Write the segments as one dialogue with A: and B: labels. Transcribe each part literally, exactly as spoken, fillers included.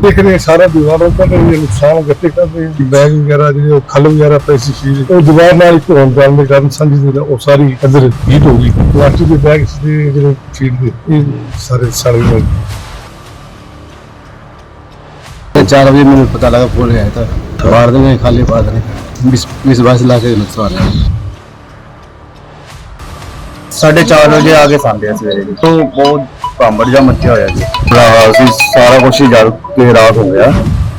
A: देख रहे हैं सारा दीवारों पर ये नुकसान इकट्ठे कर रहे हैं बैग वगैरह जो खल वगैरह पैसी चीज वो दीवार नाल एक होने जाने के कारण समझ नहीं रहा वो सारी इधर हीट हो गई प्लास्टिक के बैग से जो फीड दे ये सारे सड़ गए।
B: चार बजे मैंने पता लगा फोन आया था बाहर देने खाली बात नहीं बीस बीस बाईस लाख का नुकसान है।
C: साढ़े चार बजे आके सामने सवेरे तो बहुत भांबड़ जा मचा होया जी बुरा हाल सी सारा कुछ ही जल के रात हो गया।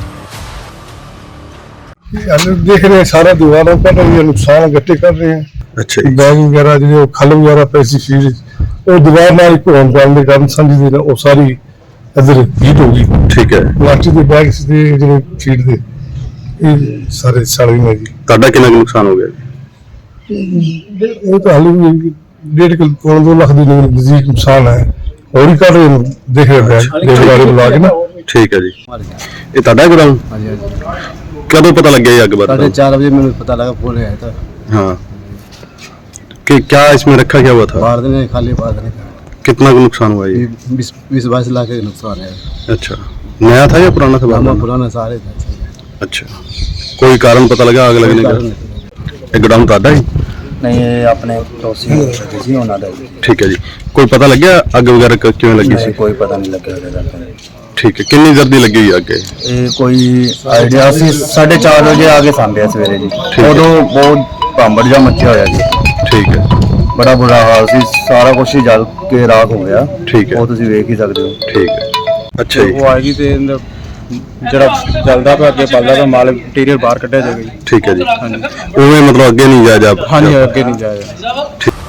A: देख रहे हैं सारा दीवारों पर ये नुकसान इकट्ठे कर रहे हैं।
D: अच्छा
A: बैग वगैरह जो खल वगैरह पैसी चीज वो दीवार नाल एक होने जाने के कारण समझ नहीं रहा वो सारी इधर हीट हो गई।
D: ठीक है
A: प्लास्टिक के बैग से जो फीड दे ये सारे सड़ गए जी।
D: ਤੁਹਾਡਾ ਕਿੰਨਾ ਕੁ ਨੁਕਸਾਨ ਹੋ ਗਿਆ ਜੀ?
A: वो तो हाल डेढ़ किलो पौने दो लाख की नजदीक नुकसान है और ही कर रहे हैं देख रहे हैं देवदारी बुला के ना।
D: ठीक है जी ये ਤੁਹਾਡਾ ਗੋਦਾਮ
B: हाँ जी हाँ जी
D: ਕਦੋਂ ਪਤਾ ਲੱਗਿਆ ये ਅੱਗ
B: साढ़े
D: ਬਾਰੇ?
B: चार बजे मैंने पता लगा फोन आया था
D: हाँ कि क्या इसमें रखा क्या हुआ था?
B: बाहर देने खाली बात नहीं
D: कितना का नुकसान हुआ ये?
B: बीस बीस बाईस लाख का नुकसान है।
D: अच्छा नया था या पुराना था?
B: हमारा
D: बाबा?
B: पुराना सारे थे।
D: अच्छा कोई कारण पता लगा आग लगने का? ये गोदाम ਤੁਹਾਡਾ ही?
C: नहीं ये अपने पड़ोसी जी होना था जी।
D: ठीक है जी कोई पता लग गया अग वगैरह क- क्यों लगी
C: नहीं,
D: सी?
C: कोई पता नहीं लगे ਉਹਦੇ ਦਾ।
D: ठीक है कितनी जल्दी लगी हुई अग?
C: ਇਹ ਕੋਈ ਆਈਡੀਆ ਸੀ साढ़े चार बजे आके सामने सवेरे जी
D: है।
C: ਉਦੋਂ ਬਹੁਤ ਭਾਂਬੜ ਜਾ ਮਚਿਆ ਹੋਇਆ ਜੀ
D: ठीक है
C: ਬੜਾ ਬੁਰਾ ਹਾਲ ਸੀ ਸਾਰਾ ਕੁਝ ਹੀ ਜਲ ਕੇ ਰਾਖ ਹੋ ਗਿਆ।
D: ठीक है
C: ਉਹ ਤੁਸੀਂ ਵੇਖ ਹੀ ਸਕਦੇ ਹੋ।
D: ठीक है अच्छा जी
E: ਉਹ ਆਏਗੀ ਤੇ ਇਹਦਾ ਜਿਹੜਾ ਚੱਲਦਾ ਪਿਆ ਅੱਗੇ ਪਲਦਾ ਪਿਆ ਮਾਲ ਮਟੀਰੀਅਲ ਬਾਹਰ ਕੱਢਿਆ ਜਾਏਗਾ ਜੀ।
D: ठीक है जी
E: ਹਾਂਜੀ
D: उਵੇਂ मतलब अगे नहीं जाया जा
E: ਹਾਂਜੀ ਅੱਗੇ ਨਹੀਂ ਜਾਏਗਾ।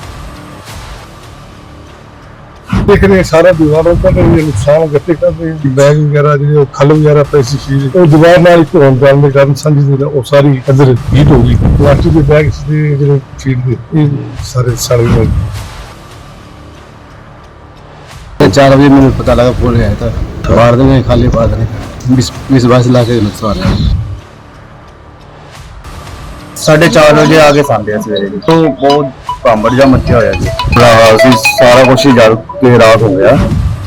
A: देख रहे हैं सारा दीवारों पर ये नुकसान इकट्ठे कर रहे हैं बैग वगैरह जो खल वगैरह पैसी चीज वो दीवार नाल एक होने जाने के कारण समझ नहीं रहा वो सारी इधर हीट हो गई प्लास्टिक के बैग से जो फीड दे ये सारे सड़ गए।
B: चार बजे मैंने पता लगा फोन आया था बाहर देने खाली बात नहीं बीस बीस बाईस लाख का नुकसान है।
C: साढ़े चार बजे आके सामने सवेरे जी तो बहुत भांबड़ जा मचਿਆ ਹੋਇਆ ਜੀ ਬੁਰਾ ਹਾਲ ਸੀ ਸਾਰਾ ਕੁਝ ਹੀ ਜਲ ਕੇ ਰਾਖ ਹੋ ਗਿਆ।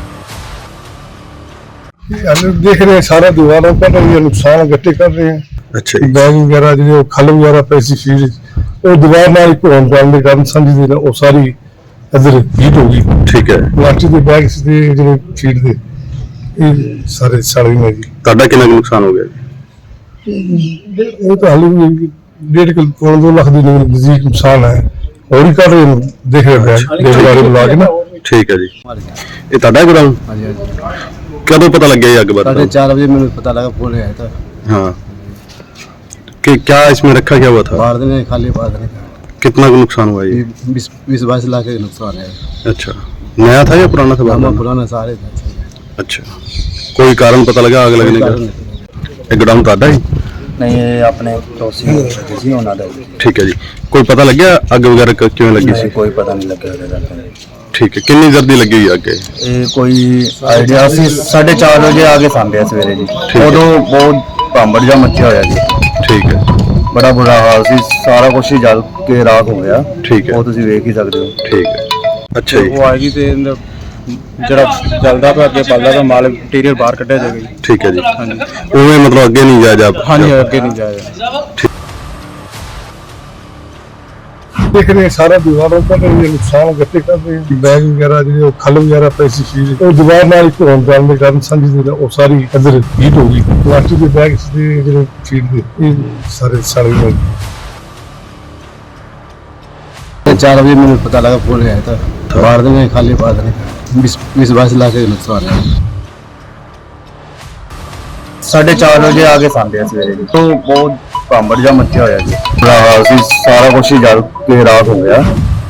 A: देख रहे हैं सारा दीवारों पर ये नुकसान इकट्ठे कर रहे हैं
D: अच्छा जी
A: बैग वगैरह जो खल वगैरह पैसी चीज वो दीवार नाल एक होने जाने के कारण समझ नहीं रहा वो सारी इधर हीट हो गई
D: ठीक है
A: प्लास्टिक के बैग से जो फीड दे ये सारे सड़ गए जी।
D: ਤੁਹਾਡਾ ਕਿੰਨਾ ਕੁ ਨੁਕਸਾਨ ਹੋ ਗਿਆ ਜੀ?
A: वो तो हाल डेढ़ किलो पौने दो लाख की नजदीक नुकसान है और ही कर रहे हैं देख रहे हैं देवदारी बुला के ना।
D: ठीक है जी ये ਤੁਹਾਡਾ ਗੋਦਾਮ
B: हाँ जी हाँ जी
D: कदों पता लग गया ये अग
B: साढ़े
D: बारे?
B: चार बजे मैंने पता लगा फोन आया था
D: हाँ कि क्या इसमें रखा क्या हुआ था?
B: बाहर देने खाली बात नहीं
D: कितना का नुकसान हुआ ये?
B: बीस बीस बाईस लाख का नुकसान है।
D: अच्छा नया था या पुराना था?
B: हमारा
D: बाबा?
B: पुराना सारे थे।
D: अच्छा कोई कारण पता लगा आग लगने का? ये गोदाम ਤੁਹਾਡਾ ही?
C: नहीं ये अपने पड़ोसी जी होना था जी।
D: ठीक है जी कोई पता लग गया अग वगैरह क- क्यों लगी
C: नहीं,
D: सी?
C: कोई पता नहीं लगे ਉਹਦੇ ਦਾ।
D: ठीक है कितनी जल्दी लगी हुई अग?
C: ਇਹ ਕੋਈ ਆਈਡੀਆ ਸੀ साढ़े चार बजे आके सामने सवेरे जी
D: है।
C: ਉਦੋਂ ਬਹੁਤ ਭਾਂਬੜ ਜਾ ਮਚਿਆ ਹੋਇਆ ਜੀ
D: ठीक है
C: ਬੜਾ ਬੁਰਾ ਹਾਲ ਸੀ ਸਾਰਾ ਕੁਝ ਹੀ ਜਲ ਕੇ ਰਾਖ ਹੋ ਗਿਆ।
D: ठीक है
C: ਉਹ ਤੁਸੀਂ ਵੇਖ ਹੀ ਸਕਦੇ ਹੋ।
D: ठीक है अच्छा जी
E: ਉਹ ਆਏਗੀ ਤੇ ਇਹਦਾ ਜਿਹੜਾ ਚੱਲਦਾ ਪਿਆ ਅੱਗੇ ਪਲਦਾ ਪਿਆ ਮਾਲ ਮਟੀਰੀਅਲ ਬਾਹਰ ਕੱਢਿਆ ਜਾਏਗਾ ਜੀ।
D: ठीक है जी
E: ਹਾਂਜੀ
D: उਵੇਂ मतलब अगे नहीं जाया जा
E: ਹਾਂਜੀ ਅੱਗੇ ਨਹੀਂ ਜਾਏਗਾ।
A: देख रहे हैं सारा दीवारों पर ये नुकसान इकट्ठे कर रहे हैं बैग वगैरह जो खल वगैरह पैसी चीज वो दीवार नाल एक होने जाने के कारण समझ नहीं रहा वो सारी इधर हीट हो गई प्लास्टिक के बैग से जो फीड दे ये सारे सड़ गए।
B: चार बजे मैंने पता लगा फोन आया था बाहर देने खाली बात नहीं बीस बीस बाईस लाख का नुकसान है।
C: साढ़े चार बजे आके सामने सवेरे जी तो बहुत भांबੜ ਜਾ ਮਚਿਆ ਹੋਇਆ ਜੀ ਬੁਰਾ ਹਾਲ ਸੀ ਸਾਰਾ ਕੁਝ ਹੀ ਜਲ ਕੇ ਰਾਖ ਹੋ ਗਿਆ।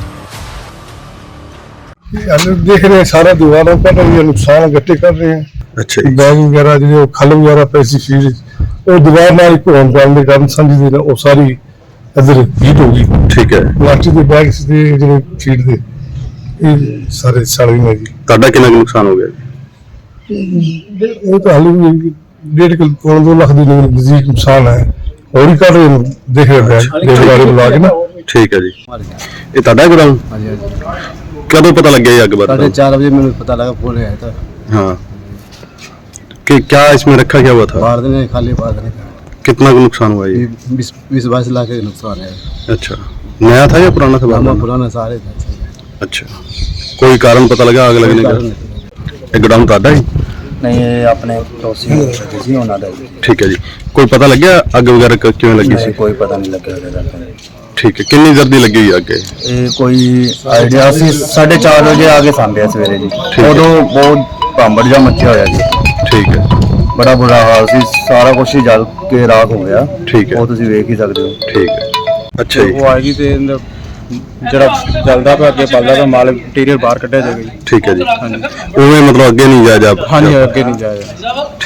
A: देख रहे हैं सारा दीवारों पर ये नुकसान इकट्ठे कर रहे हैं
D: अच्छा जी
A: बैग वगैरह जो खल वगैरह पैसी चीज वो दीवार नाल एक होने जाने के कारण समझ नहीं रहा वो सारी इधर हीट हो गई
D: ठीक है
A: प्लास्टिक के बैग से जो फीड दे ये सारे सड़ गए जी।
D: ਤੁਹਾਡਾ ਕਿੰਨਾ ਕੁ ਨੁਕਸਾਨ ਹੋ ਗਿਆ ਜੀ?
A: वो तो हाल डेढ़ किलो पौने दो लाख की नजदीक नुकसान है और ही कर रहे हैं देख रहे हैं देवदारी बुला के ना।
D: ठीक है जी ये ਤੁਹਾਡਾ ਗੋਦਾਮ
B: हाँ जी हाँ जी
D: कदों पता लग गया ये अग
B: साढ़े
D: बारे?
B: चार बजे मैंने पता लगा फोन आया था
D: हाँ कि क्या इसमें रखा क्या हुआ था?
B: मार देने खाली पा देने
D: कितना का नुकसान हुआ ये?
B: बीस बीस बाईस लाख का नुकसान है।
D: अच्छा, नया था या पुराना था?
B: हमारा
D: बारदाना?
B: पुराना सारे थे।
D: अच्छा, कोई कारण पता लगा आग लगने का? ਇਹ ਗੋਦਾਮ ਤੁਹਾਡਾ ਹੀ?
C: ਨਹੀਂ ਇਹ ਆਪਣੇ ਪੜੋਸੀ ਸੀ ਉਹਨਾਂ ਦਾ ਜੀ।
D: ਠੀਕ ਹੈ ਜੀ, ਕੋਈ ਪਤਾ ਲੱਗਿਆ ਅੱਗ ਵਗੈਰਾ ਕ- ਕਿਵੇਂ ਲੱਗੀ ਸੀ?
C: ਨਹੀਂ, ਕੋਈ ਪਤਾ ਨਹੀਂ ਲੱਗਿਆ ਉਹਦੇ ਦਾ।
D: ਠੀਕ ਹੈ, ਕਿੰਨੀ ਜ਼ਰਦੀ ਲੱਗੀ ਹੋਈ ਅੱਗ ਇਹ?
C: ਇਹ ਕੋਈ ਆਈਡੀਆ ਅਸੀਂ ਸਾਢੇ ਚਾਰ ਵਜੇ ਆ ਕੇ ਸਾਂਭਿਆ ਸਵੇਰੇ ਜੀ।
D: ਹੈ।
C: ਉਦੋਂ ਬਹੁਤ ਭਾਂਬੜ ਜਿਹਾ ਮੱਚਿਆ ਹੋਇਆ ਜੀ,
D: ਠੀਕ ਹੈ,
C: ਬੜਾ ਬੁਰਾ ਹਾਲ ਸੀ, ਸਾਰਾ ਕੁਝ ਹੀ ਜਲ ਕੇ ਰਾਖ ਹੋ ਗਿਆ।
D: ਠੀਕ ਹੈ,
C: ਉਹ ਤੁਸੀਂ ਵੇਖ ਹੀ ਸਕਦੇ ਹੋ।
D: ਠੀਕ ਹੈ। ਅੱਛਾ ਜੀ,
E: ਉਹ ਆਏਗੀ ਤੇ ਇਹਦਾ ਜਿਹੜਾ ਚੱਲਦਾ ਪਿਆ ਅੱਗੇ ਬਲਦਾ ਪਿਆ ਮਾਲ ਇੰਟੀਰੀਅਰ ਬਾਹਰ ਕੱਢਿਆ ਜਾਏਗਾ ਜੀ।
D: ਠੀਕ ਹੈ ਜੀ। ਉਵੇਂ ਮਤਲਬ ਅੱਗੇ ਨਹੀਂ ਜਾ ਜਾ
E: ਹਾਂਜੀ, ਅੱਗੇ ਨਹੀਂ ਜਾਇਆ